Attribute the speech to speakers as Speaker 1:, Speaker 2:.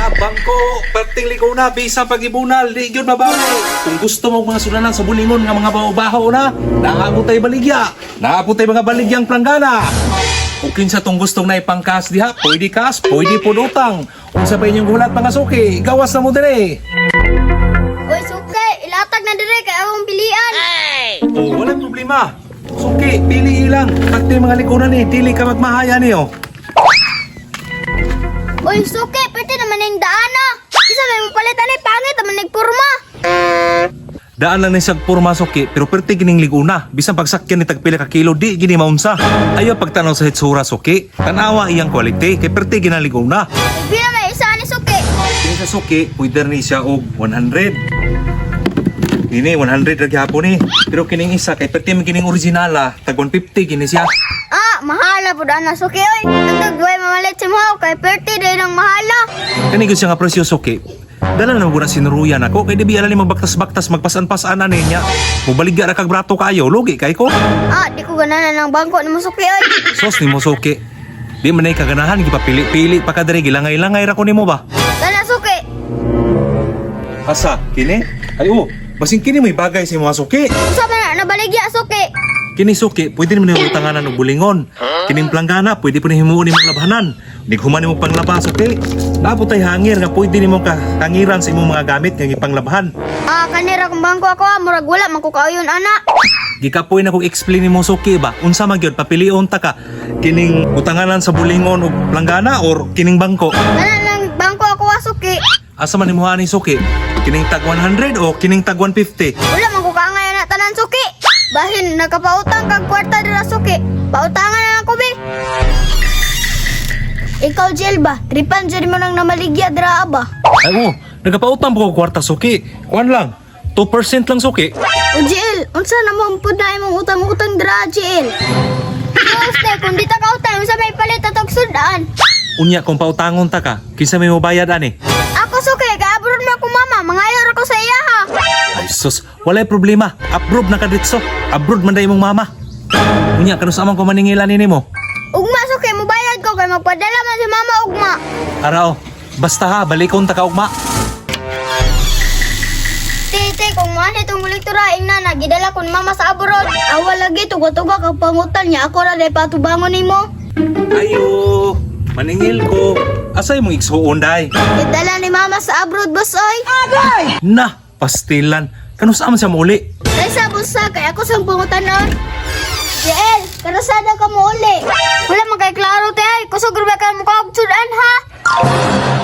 Speaker 1: bangko, perting liko na, bisa pag-ibunal, di yun mabawi. Kung gusto mo mga sunanan sa bulingon nga mga baho-baho na, naabot tayo baligya, naabot tayo mga baligyang planggana. Kung kinsa tong gustong na ipangkas diha, pwede kas, pwede po utang. Kung sabay niyong gulat mga suki, gawas na mo dire.
Speaker 2: Uy, suke, ilatag na dire kay akong pilian.
Speaker 1: Oh, walang problema. Suki, pili ilang. Pati mga likunan ni, dili ka magmahaya niyo.
Speaker 2: Uy, suke, pwede naman yung daan na. Isa may mapalitan ay pangit naman nagpurma.
Speaker 1: Daan lang ni siyag purma suki, pero perti gining liguna. Bisan pagsakyan ni tagpila ka kilo, di gini maunsa. Ayaw pagtanaw sa hitsura suki. Tanawa iyang quality, kay perti ginaliguna.
Speaker 2: Bila may isa ni suke.
Speaker 1: Kini sa suki, pwede ni siya og 100. Ini 100 lagi hapon ni. Pero kining isa, kay perti man kining originala, tag 150 gini siya.
Speaker 2: Ah, mahala po daan na suke, oy. Nagdagway mamalit si mo, kay 30 day ng mahala.
Speaker 1: Kani gud siya nga presyo suki. Dala na mo na sinuruyan ako, kay di biya ni magbaktas-baktas, magpasan-pasan na niya. Mubaligya ra kag brato kayo, lugi kay ko.
Speaker 2: Ah, di ko gananan ng bangko ni mo suke, oy.
Speaker 1: Sos ni mo suki. Di man ay kaganahan, gipapili-pili pa kadiri, gilangay-langay ra ko nimo ba?
Speaker 2: Dala suke.
Speaker 1: Asa, kini? Ay basing kini may bagay sa mga suki.
Speaker 2: Usa man na nabaligya suke.
Speaker 1: Kini suki, pwede naman yung utanganan og bulingon. Kining planggana, pwede po na himuon nimong labahanan. Nighuman nimong panglaba suki. Napot ay hangir nga pwede nimong kangiran sa imong mga gamit nga ipanglabahan.
Speaker 2: Ah, kanira kung bangko ako, murag wala man ko kauyon ana.
Speaker 1: Gikapoy na kong explain ni mo suki ba? Unsa man gyud papilion ta ka? Kining utanganan sa bulingon og planggana or kining bangko?
Speaker 2: Dala nang bangko ako suke.
Speaker 1: Asa man imuha ni suki? Kining tag 100 o kining tag 150?
Speaker 2: Wala man ko kaangay na tanan suki. Bahin nakapautang kag kwarta dira suki. Pautangan na ako be. Ikaw Jel ba? Tripan dyan mo nang namaligya dira ba?
Speaker 1: Ay nagapautang po ko kwarta suki. Kuan lang. 2% lang suki.
Speaker 2: O Jel, unsa na mo pud na imong utang-utang dira Jel? Gusto kung di ta kautang sa may palit atog sudan.
Speaker 1: Unya kung pautangon ta ka, kinsa may mobayad ani?
Speaker 2: Ako suki, kaabroad mo ako mama. Mangayor ako sa iya ha.
Speaker 1: Ay sus, walay problema. Abroad na ka ditso. Abroad man day imong mama. Unya kanus amang ko maningilan nimo.
Speaker 2: Ugma suki, mubayad ko kay magpadala man si mama ugma.
Speaker 1: Arao, basta ha, balikon ta ka ugma.
Speaker 2: Tite, kung man itong kolektora ing na gidala kun mama sa abroad. Awal lagi tuga-tuga kag pangutan niya ako ra day patubangon nimo.
Speaker 1: Ayo, maningil ko. Asay mong igsuon day?
Speaker 2: Gidala ni mama sa abroad boss oy. Agay!
Speaker 1: Na, pastilan. Kanus aman siya muli.
Speaker 2: Kay sa busa kay ako sang pangutan nun. Jel, karasada ka mo uli. Wala man kay klaro te ay kusog ra ka mo kag sudan ha.